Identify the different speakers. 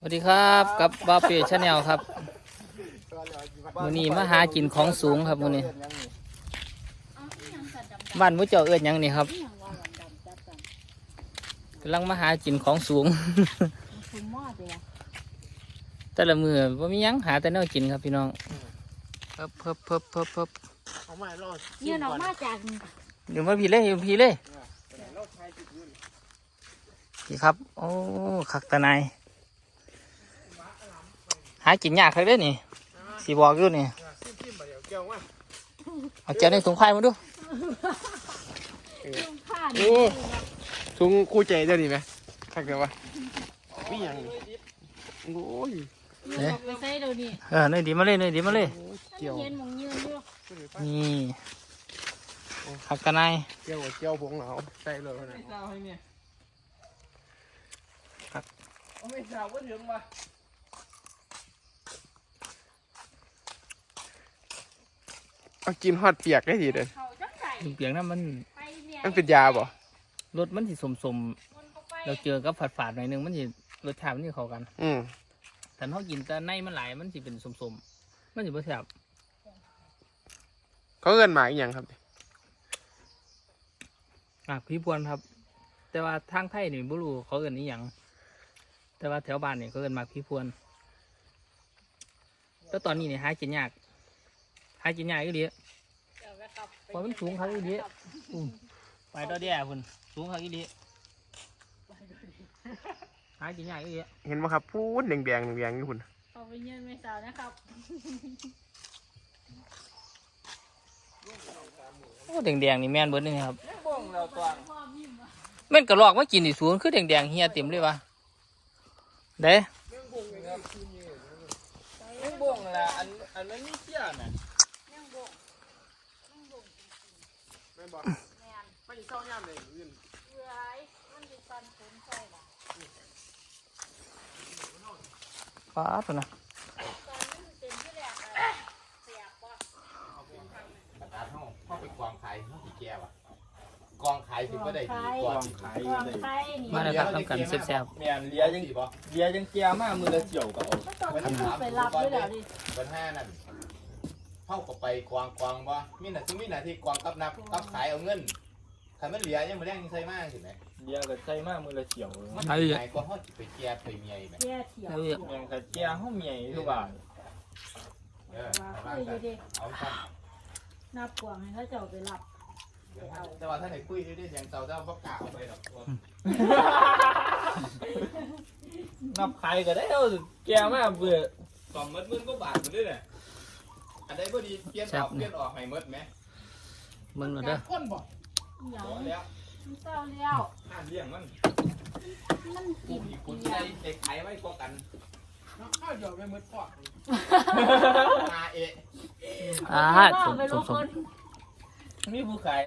Speaker 1: สวัสดีครับกับบ้าเปียชาแนลครับวันนี้มาหากินของสูงครับวันนี้บ้านมุ้เจ้าเอื้อนยังนี่ครับกำลังมาหากินของสูง แต่ละมือว่ามียังหาแต่แนวกินครับพี่น้องเพิ่บ
Speaker 2: เงินออกมาจาก
Speaker 1: เดี๋ยวมาพี่เลยพี่เลยพี่ครับโอ้ขักตะนายหากินยากครับเด้อนี่สีบอกอยู่นี่เอาเจ้าในถุงไข่มาดู
Speaker 3: โอ้ถุงคู่ใจเจ้านี่ไหมทักเดี๋ยววะมีอย่างโอ้ย
Speaker 2: ไปใส่เดี๋ยวนี้
Speaker 1: เนยดีมาเลยเนยดีมาเลย
Speaker 3: เกี่ยว
Speaker 2: เย็นมองยืนอยู่
Speaker 1: นี่ขักตะนาย
Speaker 3: เกี่ยวผงหนาวใส่เลยนะไม่สาวก็ถึงว่ะเอากินฮอดเปียกได้ทีเดียว
Speaker 2: เขาจังใส่
Speaker 1: เปียงนั้นมัน
Speaker 2: ไปเนี่ย
Speaker 3: มันเป็นยาบ่
Speaker 1: รสมันสิสมเราเจอกับฝาดๆหน่อยนึงมันสิรสชาติมันสิเข้ากัน แต่เขากินแต่ในมันหลายมันสิเป็นสมมันสิบ่แซ่บ
Speaker 3: เขาเอิ้นหมาอีหยังครับ
Speaker 1: พี่พวนครับ แต่ว่าทางไทยนี่บ่รู้เขาเอิ้นอีหยังแต่ว่าแถวบ้านนี่เขาเอิ้นหมากพี่พวนแล้วตอนนี้นี่หากินยากอยู่ดีเพราะมันสูงครับอยู่ดีไปต่อเดียพุ่นสูงครับอยู่ดีหากินยากอยู่ดี
Speaker 3: เห็นไหมครับพูดแดงนี่คุณ
Speaker 2: เอาไปเย็นไม่สาวนะครับ
Speaker 1: โอ้แดงๆนี่แม่นเบิดนี่ครับแม่นกระรอกมากินนี่สูงคือแดงๆเฮียเต็มเลยวะเด้เรื่องบ่งล่ะอันนั้นนี่เชี่ยน่ะ
Speaker 3: ไม่บอกไม่เศร้าย่ำเลยอื่น
Speaker 2: เบื่อไอ้มันเป็นฟันผมใส่ละ
Speaker 1: ป้าตัวนะ
Speaker 2: ตอนนี้มันเป็นที่แรกอะเสียบว่ะ
Speaker 4: เข้าไปกองขายห้องสีแก้วอะกองขายถึงก็ได้ดีกว่า
Speaker 2: ไข่นี่
Speaker 1: มาแล้วครับทำกันแซ่บ
Speaker 4: แม่นเลียยังดีป่ะ
Speaker 5: เลียยังเกียร์มากมือละเจียวกับเอา
Speaker 2: ก็ตอนนี้ไปรับด้วยแล้วดิ
Speaker 4: ปัญหานั่นเข้ากับไปกองบ่มีหน้าที่กองกับนับกับขายเอาเงินถ้ามันเหลียยังมาแรงยังใส่มากเห็นไหม
Speaker 5: เลียกับใส่มากมือละเจียว
Speaker 4: มันไหนก็ห้องจิไปแก้ไปเมียไหม
Speaker 2: แย่เถียว
Speaker 5: แมงกับเกียร์ห้องใหญ่ทุกบาท
Speaker 4: เออ
Speaker 2: ว่าคุยดี
Speaker 4: เอาสั้น
Speaker 2: ๆนับกวางให้เขาเจ้าไปรับ
Speaker 4: แต่ว่าถ้าไหนคุยได้ยังเจ้าบ่กล้าเอาไปหรอก
Speaker 5: นับใครก็ได้เอาเกียร์มากเบื่อ
Speaker 4: สองมื้อก็บาทไปด้วยเนี่ยอันใดบ่ดีเปลี่ยนออกให้หมดไหม
Speaker 1: ๆมึงเหรอเด้อ
Speaker 4: คนบ่
Speaker 2: เหนียว
Speaker 4: แล้ว
Speaker 2: มันเศร้าแล้ว
Speaker 4: ห้ามเลี้ยงมัน
Speaker 2: มัน
Speaker 4: กู
Speaker 2: กิน
Speaker 4: อีกคน
Speaker 2: เดีย
Speaker 4: ได้
Speaker 2: ว
Speaker 4: เด็กขายไว้กว่ากันข้าวเดียวไปมืดพอมาเอะ
Speaker 1: อ่า
Speaker 2: ว่าไป
Speaker 1: ส
Speaker 2: รู้
Speaker 1: ม
Speaker 2: คน
Speaker 5: มีผู้ขาย